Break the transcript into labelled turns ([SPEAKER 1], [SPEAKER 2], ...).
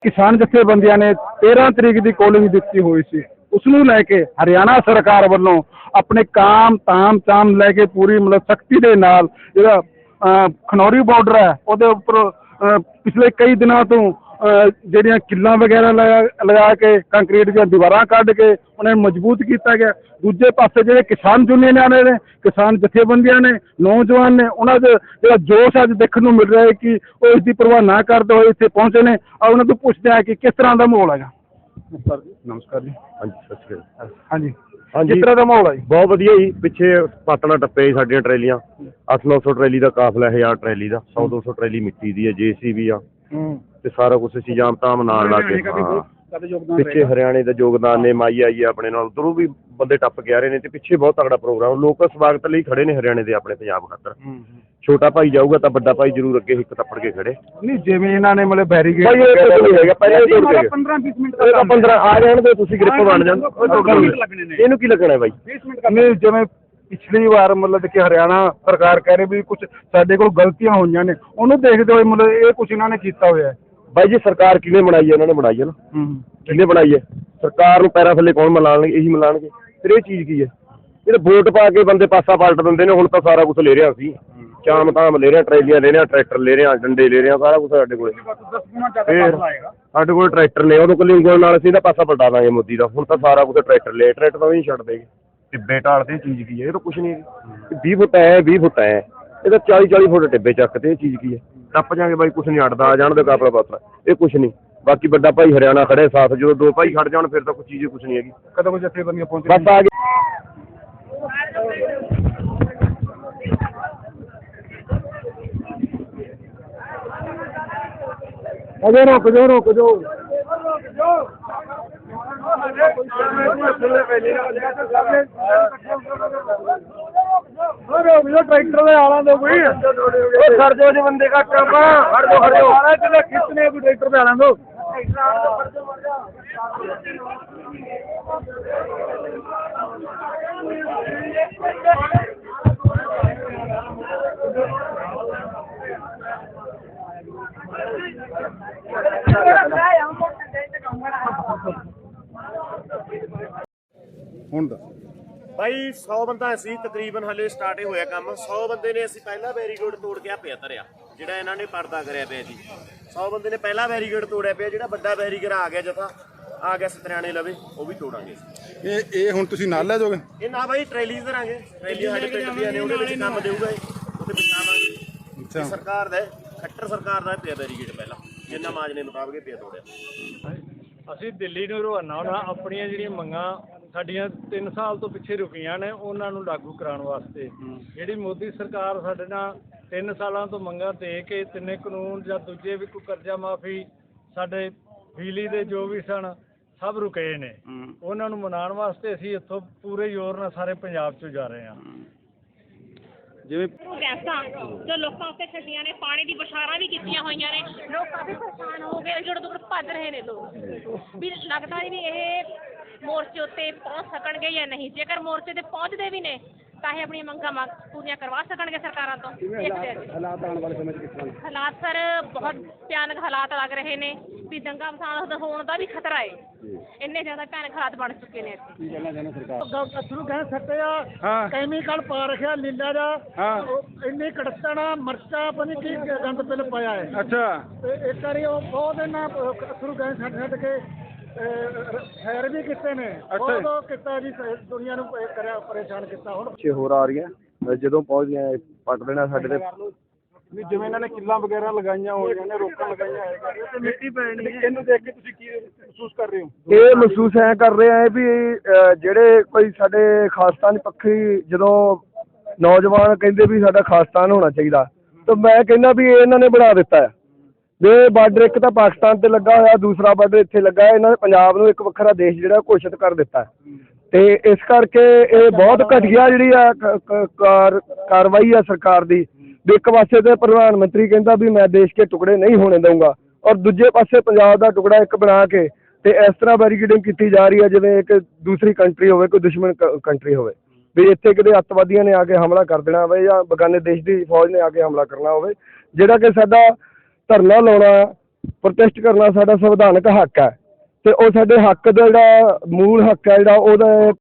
[SPEAKER 1] किसान जथेबंदियां ने 13 तरीक की कॉलिंग दी हुई सी, उसनू लैके हरियाणा सरकार वालों अपने काम ताम चाम लैके पूरी मतलब सख्ती दे नाल जिहड़ा खनौरी बॉर्डर है ਉਹਦੇ ਉੱਪਰ पिछले कई दिनों तो ਜਿਹੜੀਆਂ किल्लां वगैरह लगा के कंक्रीट ਦੀਆਂ दीवारां ਕੱਢ के उन्हें मजबूत किया गया। दूजे पासे ਜਿਹੜੇ किसान यूनियन ने किसान जथेबंदियां ने नौजवान ने उन्होंने ਜਿਹੜਾ जोश अज देखने को मिल रहा है कि वो इसकी परवाह ना करते हुए इतने पहुंचे ने और उन्होंने तो पूछते हैं कि किस तरह का माहौल है। नमस्कार जी।
[SPEAKER 2] हाँ जी, सत श्री अकाल।
[SPEAKER 1] हाँ जी,
[SPEAKER 2] हाँ जी,
[SPEAKER 1] किस तरह का माहौल है?
[SPEAKER 2] बहुत वधिया जी। पिछे पातला टप्पे जी साडियां ट्रैलियां 800-900 ट्रैली का काफिला, 1000 ट्रैली का, 100-200 ट्रैली मिट्टी की है, JCB आ ते सारा कुछ असीं जाम ताम नाल ला के पिछे हरियाणे का योगदान ने माई आई है अपने नाल, उधरों भी बंदे टप के आ रहे हैं ते पिछे बहुत तगड़ा प्रोग्राम लोग स्वागत लई खड़े ने हरियाणे दे अपने पंजाब खातर। छोटा भाई जाऊगा तो बड़ा भाई जरूर अगे हिक तप्पड़ के खड़े नहीं जिवें इन्हां ने मतलब बैरीकेड पहले 15-20 मिनट 15 आ जाण दे तुसीं ग्रिप बन जाण इहनूं की लगना है भाई 20 मिनट
[SPEAKER 1] नहीं जिवें पिछली बार मतलब कि हरियाणा सरकार कह रही भी कुछ साडे कोल गलतियां होईयां ने उहनूं देखदे होए मतलब ये कुछ इन्हां ने कीता होया है।
[SPEAKER 2] भाई जी सरकार किने बनाई है? इन्होंने बनाई है ना, किने बनाई है? सरकार पैरों थले कौन मिलाणगे? यही मिलाणगे। फिर ये चीज़ की है जो वोट पा के बंदे पासा पलट देंगे ने। हुण तां सारा कुछ ले रहे सी, चाम ताम ले रहे, ट्रैलियां ले रहे, ट्रैक्टर ले रहे, डंडे ले रहे, सारा कुछ साडे कोल। फिर साडे कोल ट्रैक्टर ने उहदे कोल ਉਂਗਲ नाल असीं पासा पलटा दांगे मोदी दा। हुण तां सारा कुछ ट्रैक्टर ले, ट्रैक्टर तां भी छड्ड देगे। टिब्बे ढालते चीज़ की है? ये तो कुछ नहीं है। 20 फुट है 20 फुट है, ये तो 40-40 फुट टिब्बे चकते। ये चीज़ की है? टप जाएंगे भाई, कुछ नहीं अड़ता, आ जाण दे काफला पासा, ये कुछ नहीं। बाकी बड़ा भाई हरियाणा खड़े साथ, जो दो भाई खड़ जाण फिर तो कुछ चीज़ कुछ नहीं है।
[SPEAKER 1] कदों कोई जथेबंदियां पहुंचे
[SPEAKER 2] बस आ गए।
[SPEAKER 1] अरे रुक जाओ ट्रैक्टर में आना दो कोई खड़ जाओ जी, बंदे का खड़ जाओ कितने भी ट्रैक्टर पे आना दो।
[SPEAKER 2] भाई 100 बंदा असी तकरीबन हले स्टार्ट ही होया काम। 100 बंदे ने असी पहला बैरीकेड तोड़ के पे धरिया जिहड़ा इन्हां ने पर्दा करिया पिया जी। 100 बंदे ने पहला बैरीकेड तोड़िया पिया, जिहड़ा बड़ा बैरीकेड आ गया जथा आ गया सतरियाणे लवे वो भी तोड़ांगे।
[SPEAKER 1] ये हुण तुसीं नाल ले जाओगे?
[SPEAKER 2] ये ना भाई ट्रैली धरांगे, ट्रैली साडे पिंड दी ने उहदे विच काम देऊगा, उत्ते पहुंचावांगे। अच्छा, सरकार दा खट्टर सरकार दा पिया बैरीकेड पहला जिन्ना माजने मुताबिक पिया तोड़िया।
[SPEAKER 3] ਅਸੀਂ ਦਿੱਲੀ ਨੂੰ ਰਵਾਨਾ ਹੋਣਾ ਆਪਣੀਆਂ ਜਿਹੜੀਆਂ ਮੰਗਾਂ ਸਾਡੀਆਂ 3 ਸਾਲ ਤੋਂ ਪਿੱਛੇ ਰੁਕੀਆਂ ਨੇ ਉਹਨਾਂ ਨੂੰ ਲਾਗੂ ਕਰਾਉਣ ਵਾਸਤੇ। ਜਿਹੜੀ ਮੋਦੀ ਸਰਕਾਰ ਸਾਡੇ ਨਾਲ 3 ਸਾਲਾਂ ਤੋਂ ਮੰਗਾਂ ਦੇ ਕੇ ਤਿੰਨੇ ਕਾਨੂੰਨ ਜਾਂ ਦੂਜੇ ਵੀ ਕੋਈ ਕਰਜ਼ਾ ਮਾਫੀ ਸਾਡੇ ਬਿਜਲੀ ਦੇ ਜੋ ਵੀ ਸਨ ਸਭ ਰੁਕੇ ਨੇ, ਉਹਨਾਂ ਨੂੰ ਮਨਾਉਣ ਵਾਸਤੇ ਅਸੀਂ ਇੱਥੋਂ ਪੂਰੇ ਜ਼ੋਰ ਨਾਲ ਸਾਰੇ ਪੰਜਾਬ 'ਚੋਂ ਜਾ ਰਹੇ ਹਾਂ।
[SPEAKER 1] ਜਿਵੇਂ
[SPEAKER 4] ਗੈਸਾਂ ਜੋ ਲੋਕਾਂ ਉੱਤੇ ਛੱਡੀਆਂ ਨੇ, ਪਾਣੀ ਦੀ ਬਸ਼ਾਰਾਂ ਵੀ ਕੀਤੀਆਂ ਹੋਈਆਂ ਨੇ, ਲੋਕ ਕਾਫੀ ਪਰੇਸ਼ਾਨ ਹੋ ਗਏ, ਜਿਹੜੇ ਦੂਰ ਭੱਜ ਰਹੇ ਨੇ ਲੋਕ ਵੀ ਲੱਗਦਾ ਨਹੀਂ ਵੀ ਇਹ ਮੋਰਚੇ ਉੱਤੇ ਪਹੁੰਚ ਸਕਣਗੇ ਜਾਂ ਨਹੀਂ। ਜੇਕਰ ਮੋਰਚੇ ਤੇ ਪਹੁੰਚਦੇ ਵੀ ਨੇ ਤਾਂ ਇਹ ਆਪਣੀਆਂ ਮੰਗਾਂ ਪੂਰੀਆਂ ਕਰਵਾ ਸਕਣਗੇ ਸਰਕਾਰਾਂ ਤੋਂ।
[SPEAKER 1] ਹਾਲਾਤ ਆਉਣ ਵਾਲੇ ਸਮੇਂ 'ਚ ਕਿਸ ਤਰ੍ਹਾਂ?
[SPEAKER 4] ਹਾਲਾਤ ਸਰ ਬਹੁਤ ਭਿਆਨਕ ਹਾਲਾਤ ਲੱਗ ਰਹੇ ਨੇ ਵੀ ਦੰਗਾ ਫਸਾਦ ਹੋਣ ਦਾ ਵੀ ਖਤਰਾ ਹੈ। ਇੰਨੇ ਜ਼ਿਆਦਾ ਭਿਆਨਕ ਹਾਲਾਤ ਬਣ ਚੁੱਕੇ ਨੇ ਇੱਥੇ।
[SPEAKER 1] ਕੀ ਕਹਿਣਾ ਚਾਹੁੰਦੇ ਸਰਕਾਰ?
[SPEAKER 3] ਅਥਰੂ ਕਹਿ ਸਕਦੇ ਆ ਕੈਮੀਕਲ ਪਾ ਰੱਖਿਆ ਨੀਲਾ ਦਾ, ਇੰਨੀ ਕੜਤਣਾ ਮਰਚਾ ਪਤਾ ਕੀ ਗੰਦ ਪਿਲ ਪਾਇਆ ਹੈ।
[SPEAKER 1] ਅੱਛਾ,
[SPEAKER 3] ਤੇ ਇੱਕ ਵਾਰੀ ਉਹ ਬਹੁਤ ਇਹਨਾਂ ਅਥਰੂ ਗਏ ਛੱਡ ਕੇ ਖੈਰ ਵੀ ਕੀਤੇ ਨੇ, ਬਹੁਤ ਕੀਤਾ ਜੀ, ਦੁਨੀਆ ਨੂੰ ਕਰਿਆ ਪਰੇਸ਼ਾਨ ਕੀਤਾ। ਹੁਣ
[SPEAKER 1] ਪਿੱਛੇ ਹੋਰ ਆ ਰਹੀਆਂ ਜਦੋਂ ਪਹੁੰਚ ਗਏ ਪੱਟ ਦੇਣਾ ਸਾਡੇ ਤੇ ਵੀ ਜਿਵੇਂ ਇਹਨਾਂ ਨੇ ਕਿੱਲਾਂ ਵਗੈਰਾ ਲਗਾਈਆਂ ਹੋਈਆਂ ਨੇ, ਰੋਕਾਂ ਲਗਾਈਆਂ ਹੋਈਆਂ ਤੇ ਮਿੱਟੀ ਪੈਣੀ ਹੈ। ਇਹਨੂੰ ਦੇਖ ਕੇ ਤੁਸੀਂ ਕੀ ਮਹਿਸੂਸ ਕਰ ਰਹੇ ਹੋ? ਇਹ ਮਹਿਸੂਸ ਐ ਕਰ ਰਹੇ ਆ ਵੀ ਜਿਹੜੇ ਕੋਈ ਸਾਡੇ ਖਾਲਿਸਤਾਨ ਪੱਖੀ ਜਦੋਂ ਨੌਜਵਾਨ ਕਹਿੰਦੇ ਵੀ ਸਾਡਾ ਖਾਲਿਸਤਾਨ ਹੋਣਾ ਚਾਹੀਦਾ, ਤਾਂ ਮੈਂ ਕਹਿੰਦਾ ਵੀ ਇਹਨਾਂ ਨੇ ਬਣਾ ਦਿੱਤਾ ਹੈ। ਇਹ ਬਾਰਡਰ ਇੱਕ ਤਾਂ ਪਾਕਿਸਤਾਨ ਤੇ ਲੱਗਾ ਹੋਇਆ, ਦੂਸਰਾ ਬਾਰਡਰ ਇੱਥੇ ਲੱਗਾ। ਇਹਨਾਂ ਨੇ ਪੰਜਾਬ ਨੂੰ ਇੱਕ ਵੱਖਰਾ ਦੇਸ਼ ਜਿਹੜਾ ਘੋਸ਼ਿਤ ਕਰ ਦਿੱਤਾ ਤੇ ਇਸ ਕਰਕੇ ਇਹ ਬਹੁਤ ਘਟੀਆ ਜਿਹੜੀ ਆ ਕਾਰਵਾਈ ਆ ਸਰਕਾਰ ਦੀ। ਇੱਕ ਪਾਸੇ ਤੇ ਪ੍ਰਧਾਨ ਮੰਤਰੀ ਕਹਿੰਦਾ ਵੀ ਮੈਂ ਦੇਸ਼ ਕੇ ਟੁਕੜੇ ਨਹੀਂ ਹੋਣੇ ਦਊਂਗਾ, ਔਰ ਦੂਜੇ ਪਾਸੇ ਪੰਜਾਬ ਦਾ ਟੁਕੜਾ ਇੱਕ ਬਣਾ ਕੇ ਤੇ ਇਸ ਤਰ੍ਹਾਂ ਬੈਰੀਕੇਡਿੰਗ ਕੀਤੀ ਜਾ ਰਹੀ ਹੈ ਜਿਵੇਂ ਇੱਕ ਦੂਸਰੀ ਕੰਟਰੀ ਹੋਵੇ, ਕੋਈ ਦੁਸ਼ਮਣ ਕੰਟਰੀ ਹੋਵੇ, ਵੀ ਇੱਥੇ ਕਿਤੇ ਅੱਤਵਾਦੀਆਂ ਨੇ ਆ ਕੇ ਹਮਲਾ ਕਰ ਦੇਣਾ ਹੋਵੇ ਜਾਂ ਬਗਾਨੇ ਦੇਸ਼ ਦੀ ਫੌਜ ਨੇ ਆ ਕੇ ਹਮਲਾ ਕਰਨਾ ਹੋਵੇ। ਜਿਹੜਾ ਕਿ ਸਾਡਾ ਧਰਨਾ ਲਾਉਣਾ ਪ੍ਰੋਟੈਸਟ ਕਰਨਾ ਸਾਡਾ ਸੰਵਿਧਾਨਕ ਹੱਕ ਹੈ ਤੇ ਉਹ ਸਾਡੇ ਹੱਕ ਦਾ ਜਿਹੜਾ ਮੂਲ ਹੱਕ ਹੈ ਜਿਹੜਾ ਉਹਦਾ